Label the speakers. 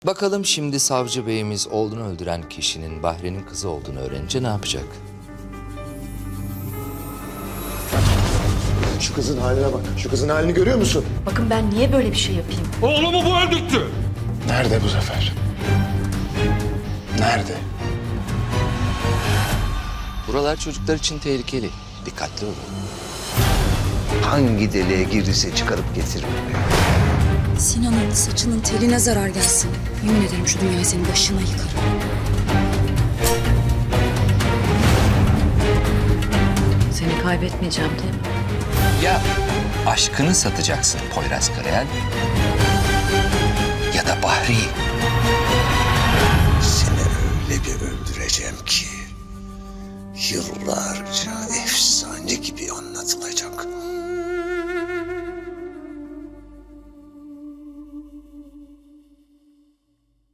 Speaker 1: Bakalım şimdi savcı beyimiz oğlunu öldüren kişinin Bahri'nin kızı olduğunu öğrenince ne yapacak?
Speaker 2: Şu kızın haline bak. Şu kızın halini görüyor musun?
Speaker 3: Bakın ben niye böyle bir şey yapayım?
Speaker 4: Oğlumu bu öldürttü.
Speaker 2: Nerede bu Zafer? Nerede?
Speaker 1: Buralar çocuklar için tehlikeli. Dikkatli olun.
Speaker 5: Hangi deliğe girdiyse çıkarıp getirin.
Speaker 6: Sinan'ın saçının teline zarar gelsin. Yemin ederim şu dünyayı senin başına yıkarım.
Speaker 3: Seni kaybetmeyeceğim değil mi?
Speaker 1: Ya aşkını satacaksın Poyraz Karayel ya da Bahri.
Speaker 5: Seni öyle bir öldüreceğim ki yıllarca efsane gibi anlatılacak.